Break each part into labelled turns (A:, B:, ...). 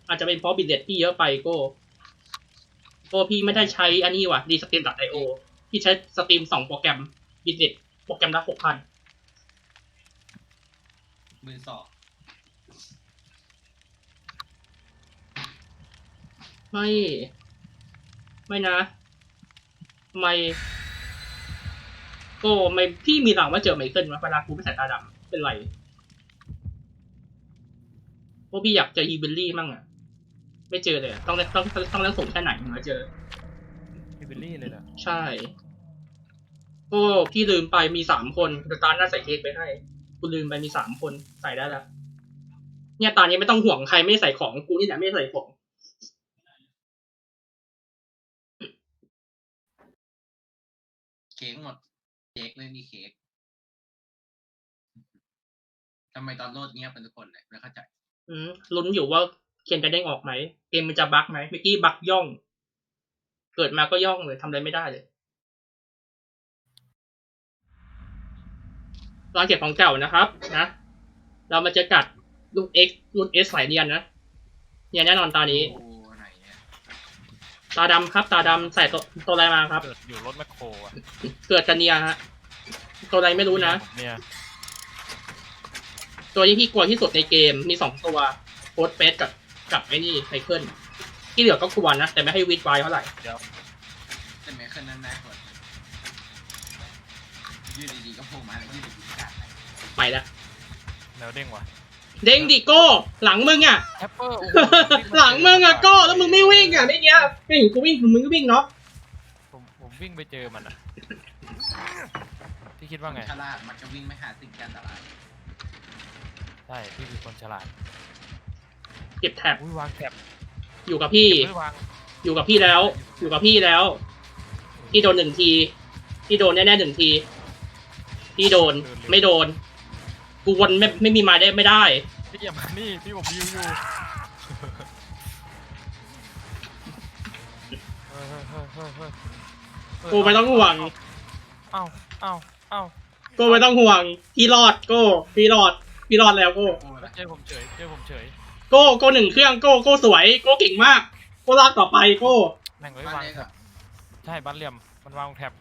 A: อาจจะเป็นเพราะบิตเรทพี่เยอะไปโก้พี่ไม่ได้ใช้อันนี้ว่ะดีสตรีม .io พี่ใช้สตรีม2 โปรแกรมบิตเรทโปรแกรมละ 6,000
B: 12,000
A: ไม่นะทำไมไม่พี่มีหลังว่าเจอไมเคิลวะเวลากูไม่ใส่ตาดำเป็นไรเพราะพี่อยากเจออีเบลลี่มั่งอ่ะไม่เจอเลยต้องเล่นส่งแค่ไหนถึงจะเจอ
C: อีเบลลี่เลยเหรอ
A: ใช่พี่ลืมไปมี3 คนเดี๋ยวตาหน้าใส่เค้กไปให้กูลืมไปมี3 คนใส่ได้แล้วเนี่ยตอนนี้ไม่ต้องห่วงใครไม่ใส่ของกูนี่แหละไม่ใส่ของ
B: เค้กหมดเค้กไม่มีเค้กทำไมตอนโหลดเงียบเป็นทุกคนเลยไม่เข้าใจ
A: ลุ้นอยู่ว่าเขียนจะเด้งออกไหมเกมมันจะบั๊กไหมเมื่อกี้บั๊กย่องเกิดมาก็ย่องเลยทำอะไรไม่ได้เลยตอนเก็บของเก่านะครับนะเรามาเจอกัดรุ่น S สายเนียนนะเนี่ยแน่นอนตานี้ตาดำครับตาดำใส่ตัวอะไรมาครับ
C: เกิดอยู่รถแมคโครอ่ะ
A: เกิดกันเนียฮะตัวอะไรไม่รู้นะตัวที่พี่กลัวที่สุดในเกมมี2 ตัวโคดเฟสกับไอ้นี่ไมเคิลที่เหลือก็กลัวนะแต่ไม่ให้วิดไวเท่าไหร่
B: แต่ไมเคิลนั้นน่ากลัวยืดดีๆก็โผล่มาแล้วยืดดีๆกัด
A: ไปแล้ว
C: แล้วเด้งว่ะ
A: เด้งดิโก้หลังมึงอ่ะ
C: แทปเปอร์
A: หลังมึงอ่ะโก้แล้วมึงไม่วิ่งอ่ะไม่เงี้ยไม่เห็นกูวิ่งมึงก็วิ่งเนาะ
C: ผมวิ่งไปเจอมันอ่ะพี่คิดว่าไง
B: ฉลาดมันจะวิ่งไม่หาสิ่งกันตลาด
C: ใช่พี่คือคนฉลาด
A: เก็บแท็บ
C: วางแท็บ
A: อยู่กับพี่อยู่กับพี่แล้วพี่โดน1 ทีพี่โดนแน่ๆ1 ทีพี่โดนไม่โดนกูวนไม่มีมาได้ไม่ได้
C: พี่อย่ามานี่พี่ผมยิวอยู่
A: กูไม่ต้องห่วง
C: เอ้า
A: กูไม่ต้องห่วงพี่รอดพี่รอดแล้ว
C: เจอผมเฉย
A: โก้1 เครื่องโก้สวยโก้เก่งมากโก้ลากต่อไปโก้
C: แม่งไว้วางแท็บใช่บ้านเหลี่ยมมันวางแท็บ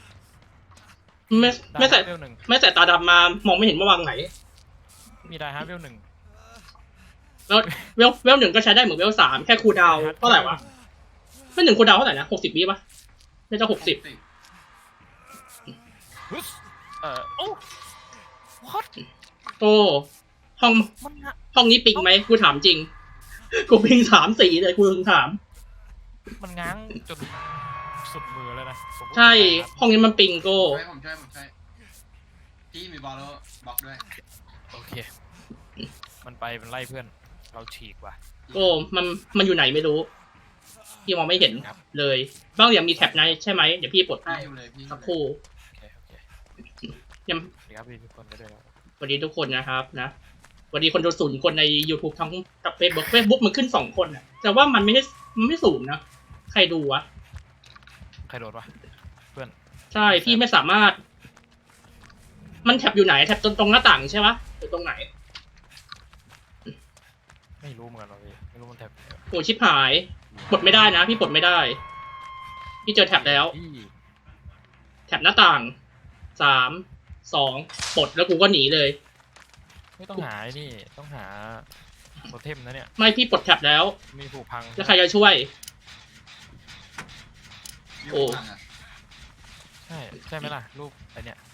A: ไม่ใส่ตาดำมามองไม่เห็นว่าวางไหน
C: มีได้ฮะเวล 1
A: แล้วเวล 1ก็ใช้ได้เหมือนเวล 3แค่คูลดาวน์เท่าไหร่วะเวล 1คูลดาวน์เท่าไหร่นะ60 วิป่ะไม่ใช่60
C: โอ้ what
A: ห้องนี้ปิงไหมกูถามจริงกูปิง3-4เลยกูถึงถาม
C: มันง้างจนสุดมือเลยนะ
A: ใช่ห้องนี้มันปิง
B: ผมช่วยพี่มีบอลแล้วบล็อกด้วย
C: โอเคมันไล่เพื่อนเราฉีกว่ะ
A: มันอยู่ไหนไม่รู้พี่มองไม่เห็นเลยบ้างอย่างมีแท็บในใช่ไหมเดี๋ยวพี่ปลดให้สักครู่
C: ยังครับพี่ทุกคนก็ได้
A: สวัสดีทุกคนนะครับนะสวัสดีคนดู0 คนใน YouTube ทั้งกับ Facebook มันขึ้น2 คนอ่ะแต่ว่ามันไม่สูงนะใครดูวะ
C: ใครโดดวะเพื่อน
A: ใช่พี่ไม่สามารถมันแท็บอยู่ไหนแท็บตรงหน้าต่างใช่ปะหรือตรงไหน
C: ไม่รู้เหมือนกันพี่ไม่รู้มันแท็บ
A: โอ้ชิบหายปลดไม่ได้นะพี่ปลดไม่ได้พี่เจอแท็บแล้วแท็บหน้าต่าง3 2ปลดแล้วกูก็หนีเลย
C: ไม่ต้องหานี่ต้องหาโทเทมนะเนี่ย
A: ไม่พี่ปลดแท็บแล้ว
C: มีผูพัง
A: แล้วใครจะช่วยโอ้
C: ใช่ไหมล่ะรูปไอเนี้ย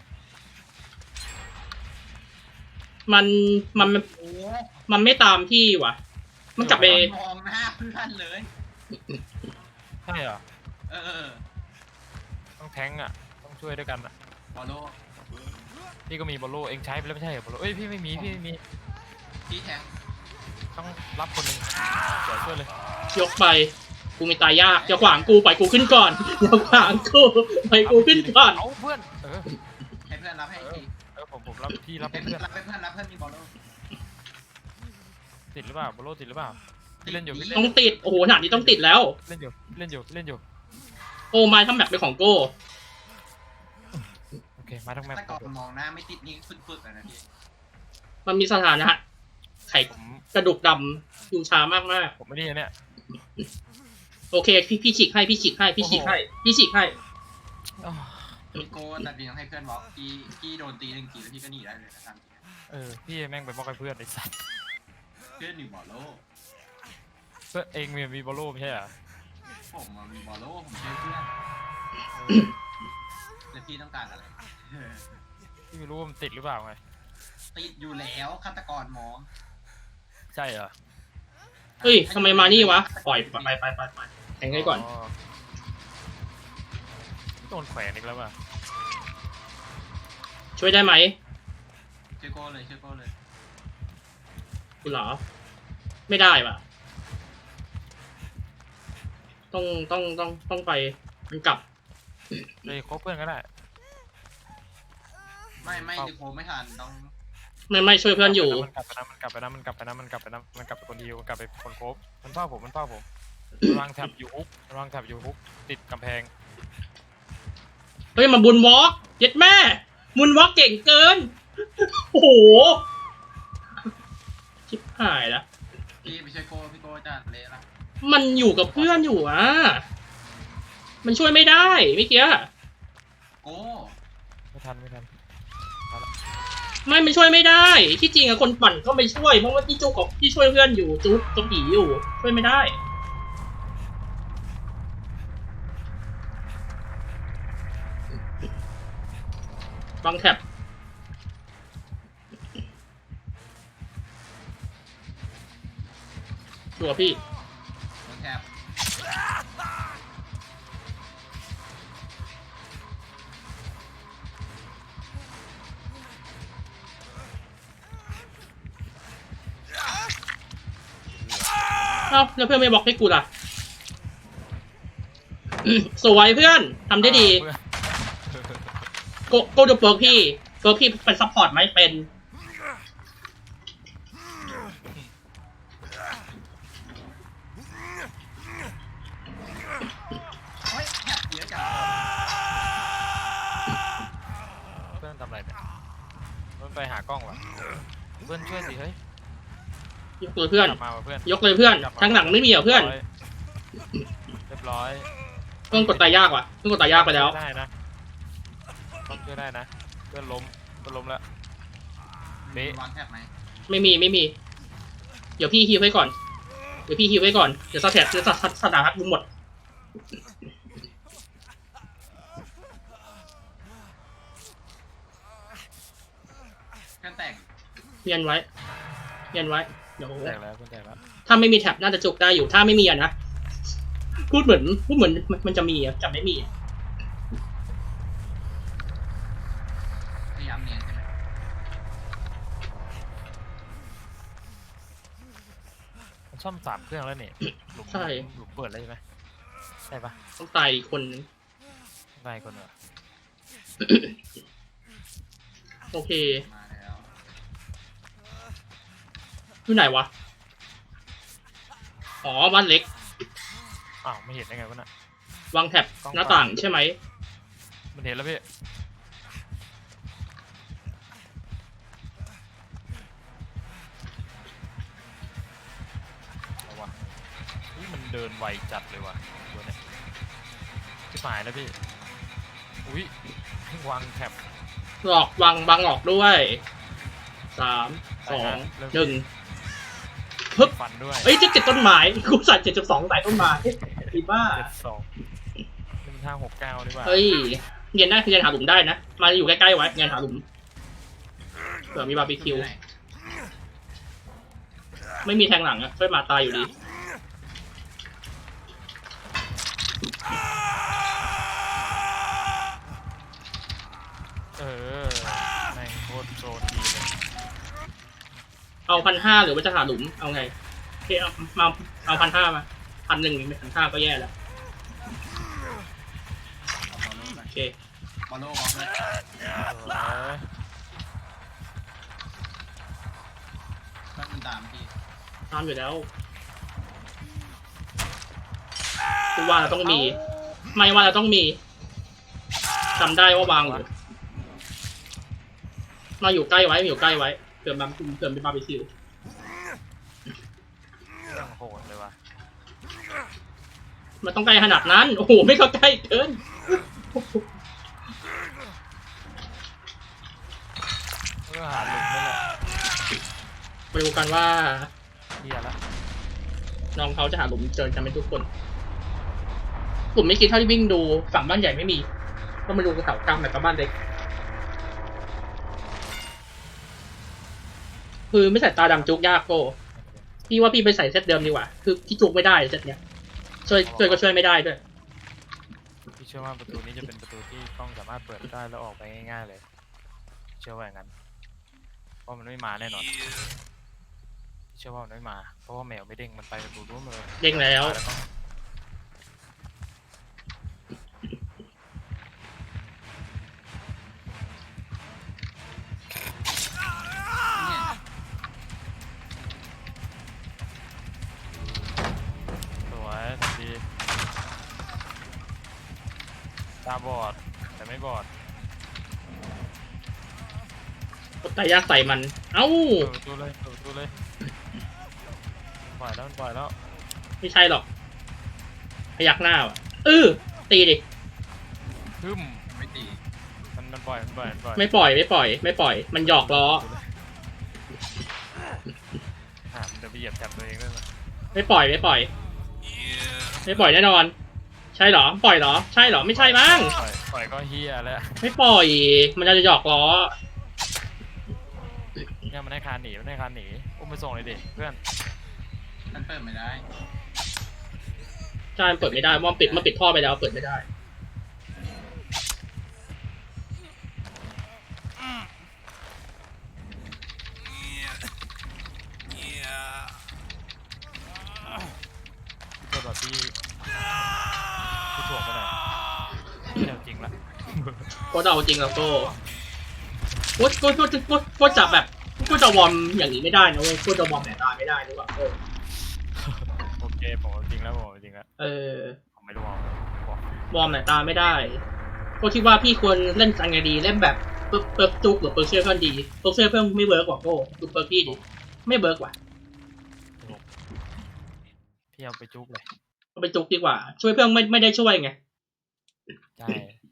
A: มันไม่ตามพี่ว่ะมันกลับไป
B: มองหน้าเพื่อนเลย
C: ใช่เหรอต้องแทงอ่ะต้องช่วยด้วยกันอ่ะ
B: บอลโล
C: พี่ก็มีบอลโลเองใช้ไปแล้วไม่ใช่เหรอบอลโลพี่ไม่มี
B: พี่แทง
C: ต้องรับคนหนึ่งช่วยเลย
A: ยกไปกูมีตายยากอย่าขวางกูปล่อยกูขึ้นก่อนอย่าขวางกูปล่อยกูขึ้นก่อน
C: เอาเพื่อน
B: ให้เพื่อนรับให้ที
C: ผมรับพี่รับให้เพื่อน
B: มีบอลโล
C: ติดหรือเปล่าบอลโลติดหรือเปล่าพี่เล่นอยู่
A: ต้องติดโอ้โหขนาดนี้ต้องติดแล้ว
C: เล่นอยู่
A: โอ้มาทำแบบเป็นของโก้
C: โอเคมาทั้งแมป
B: ถ้าก่อนมองหน้าไม่ติดนี่ฝึกๆนะพี่
A: มันมีสถานะไข่กระดูกดดูช้ามากมาก
C: ผมไม่ได้เนี่ย
A: ๆโอเคพี่ฉีกให้พี่ฉีกให้พี่ฉีกให้พี่ฉีกให้
C: อ้าว
B: พี่โก้ตัดดินให้เพื่อนบอกพี่โดนตี1 ทีแล้วพี่ก็หนีได้เลยนะตามจริง
C: พี่แม่งไปบอกให้เพื่อนไอ้สัตว์
B: เพื่อนอยู่บอลโลก
C: เพื่อนเองมีบอลโล่ไม่ใช่เหรอ
B: ผมมีบอลโลกผมช่วยเพื่อนแล้วพี่ต้องการอะไร
C: พี่ไม่รู้ว่ามันติดหรือเปล่าไง
B: ติดอยู่แล้วฆาตกรหมอ
C: ใช่เหรอ
A: เฮ้ยทำไมมานี่วะปล่อยไปแทงให้ก่อน
C: โดนแขวนอีกแล้วว่ะ
A: ช่วยได้ไหม
B: ช่วยโก้เลยช่วยโก้เลย
A: คุณเหรอไม่ได้ว่ะต้องไปมันกลับ
C: เลยคบเพื่อนก็ได้
B: ไม่ดิโคไม่ทันต้อง
A: ไม่ช่วยเพื่อนอยู่
C: มันกลับไปนะมันกลับไปคนเดียวมันกลับไปคนโคบมันเฝ้าผมวางแท็บอยู่ฮุกติดกำแพง
A: เฮ้ยมาบุญวอล์กเย็ดแม่บุญวอล์กเก่งเกินโอ้โหชิบหายละ
B: พี่ไปช่วยโก้พี่โก้จะเละละ
A: มันอยู่กับเพื่อนอยู่อ่ะมันช่วยไม่ได้เมื่อกี้
B: โก้
C: ไม่ทัน
A: ไม่มันช่วยไม่ได้ที่จริงอะคนปั่นก็ไม่ช่วยเพราะว่าที่จุกกับที่ช่วยเพื่อนอยู่จุกกับผีอยู่ช่วยไม่ได้บังแท็บชัวร์พี่
B: โดนแทบ
A: เอ้าแล้วเพื่อนไม่บอกให้กูล่ะ สวยเพื่อนทำได้ดีโกดูเปิร์กพี่เป็นซัพพอร์ตไหมเป็น
B: เฮ้ยแทบเยอะจัง
C: เพื่อนทำอะไรเนี่ยเพื่อนไปหากล้องวะเพื่อนช่วยสิเฮ้ย
A: ยกเลยเพื่อน
C: กลับมาว่ะเพื่อน
A: ยกเลยเพื่อนทั้งหลังไม่มีเหรอเพื่อน
C: เรียบร้อย
A: เพื่อนกดตายยากว่ะเพื่อนกดตายยากไปแล้ว
C: ช่วยได้นะเพื่อนล้มแล้ว เบ๊ะ
B: วางแทบไหม
A: ไม่มีเดี๋ยวพี่ฮิวไว้ก่อนเดี๋ยวสถานะมึงหมด
B: เพื่อนแตก
A: เรียนไว้เดี๋ยว
C: แตกแล้วเพื่อนแตกแล้ว
A: ถ้าไม่มีแท็บน่าจะจุกได้อยู่ถ้าไม่มีอะนะพูดเหมือนมันจะมีอะแต่ไม่มีอะ
B: พยายามเนียนใช่ไหม
C: มันซ่อม3 เครื่องแล้วนี่หลุมเปิดแล้วใช่ไหมใช่ปะ
A: ต้องตายอีกคนนึง
C: ได้คนเหรอ
A: โอเค
B: มาแล้ว
A: อยู่ไหนวะอ๋อบ้านเล็ก
C: อ้าวไม่เห็นได้ไงวะน่ะ
A: วางแท็บหน้าต่างใช่ไหม
C: มันเห็นแล้วพี่เอาวะนี่มันเดินไวจัดเลยว่ะตัวเนี้ยที่หายแล้วพี่อุ้ยวางแท็บ
A: หลอกวางหลอกด้วย3 2 1
C: ฟันด้วย
A: เอ้ย7ต้นไม้กูใส่7.2ใส่ต้นไม้ดีบ้า
C: 72 1569ดีกว่า
A: เฮ้ยเรียนหาหลุมได้นะมาอยู่ใกล้ๆไว้เรียนหาหลุมเผื่อมีบาร์บีคิว ไม่มีแทงหลังอะช่วยมาตายอยู่ดี
C: แม่งโคตรโซดีเลย
A: เอา1,500หรือว่าจะหาหลุมเอาไงโอเคเอา1,500มา1,100ไม่1,500ก็แย่แล้ว
B: เอาบอลโลกไป
A: โอเค
B: บอลโลกออกเลยก็มันตามพี่
A: ตามอยู่แล้วกูว่าเราต้องมี ไม่ว่าเราต้องมีจำได้ว่าวางอยู่มาอยู่ใกล้ไว้เผื่อมีบาร์บีคิวมันต้องใกล้ขนาดนั้น โอ้โห ไม่เข้าใกล้เกิน
C: ก็หาหลุมนั่นแหละ
A: ไปดูกันว่า
C: เฮียละ
A: น้องเขาจะหาหลุมเจอกันไหมทุกคนหลุมไม่คิดเท่าที่วิ่งดูฝั่งบ้านใหญ่ไม่มีก็มาดูเสากลางแบบกับบ้านเล็กคือไม่ใส่ตาดำจุกยากโก้พี่ว่าพี่ไปใส่เซตเดิมดีกว่าคือพี่จุกไม่ได้เซตเนี้ยช่วยก็ช่วยไม่ได้ด้วย
C: พี่เชื่อว่าประตูนี้จะเป็นประตูที่กล้องสามารถเปิดได้แล้วออกไปง่ายๆเลย เชื่อว่าอย่างนั้นเพราะมันไม่มาแน่นอนเชื่อว่ามันไม่มาเพราะว่าแมวไม่เด้งมันไปประตูนู้นเลย
A: เด้งแล้ว
B: เนี่ย
C: สวยทำดีตาบอดแต่ไม่บอด
A: กดไตยากใส่มัน เอ้า
C: เปิดประตูเลยเปิดประตูเลยปล่อยแล้วมันปล่อยแล้ว
A: ไม่ใช่หรอก พยักหน้าว่ะตีดิ
C: ฮึม
B: ไม่ตี
C: มันปล่อยมันปล่อยมันปล่อย
A: ไม่ปล่อยไม่ปล่อยไม่ปล่อย มันหยอกล้อ
C: มันจะไปเหยียบแถบตัวเองด้วยนะ
A: ไม่ปล่อยไม่ปล่อย ไม่ปล่อยแน่นอน ใช่เหรอ ปล่อยเหรอ ใช่เหรอ ไม่ใช่มั้ง
C: ปล่อยก็เฮียแล้ว
A: ไม่ปล่อย มันจะหยอกล้อ
C: เนี่ยมันให้คานหนีมันให้คานหนีอุ้มไปส่งเลยดิเพื่อน
B: มันเปิดไม่ได้
A: ใช่มันเปิดไม่ได้มอมปิดท่อไปแล้วเปิดไม่ได้
C: ตัวแบบที่ถ่วงไปหน่อยเดี๋ยวจริงละ
A: ก็เอาจริงแล้วก็จะแบบก็จะวอร์มอย่างนี้ไม่ได้นะเว้ยก็จะวอร์มแหนตาไม่ได้หรือเปล่า
C: โอเคผมเอาจริงแล้วผมเอาจริงแล้ว ผมไม่รู้เอา
A: วอร์มแหนตาไม่ได้ก็คิดว่าพี่ควรเล่นสังไงดีเล่นแบบเปิร์กจุกหรือเปิร์กเชื่อเพื่อนดีเปิร์กเชื่อเพื่อนไม่เวิร์กกว่าโก้ดูเปิร์กพี่ดิไม่เวิร์กว่ะ
C: พี่เอาไปจุกเลย
A: เอาไปจุกดีกว่า ช่วยเพื่อนไม่ได้ช่วยไง
C: ใช่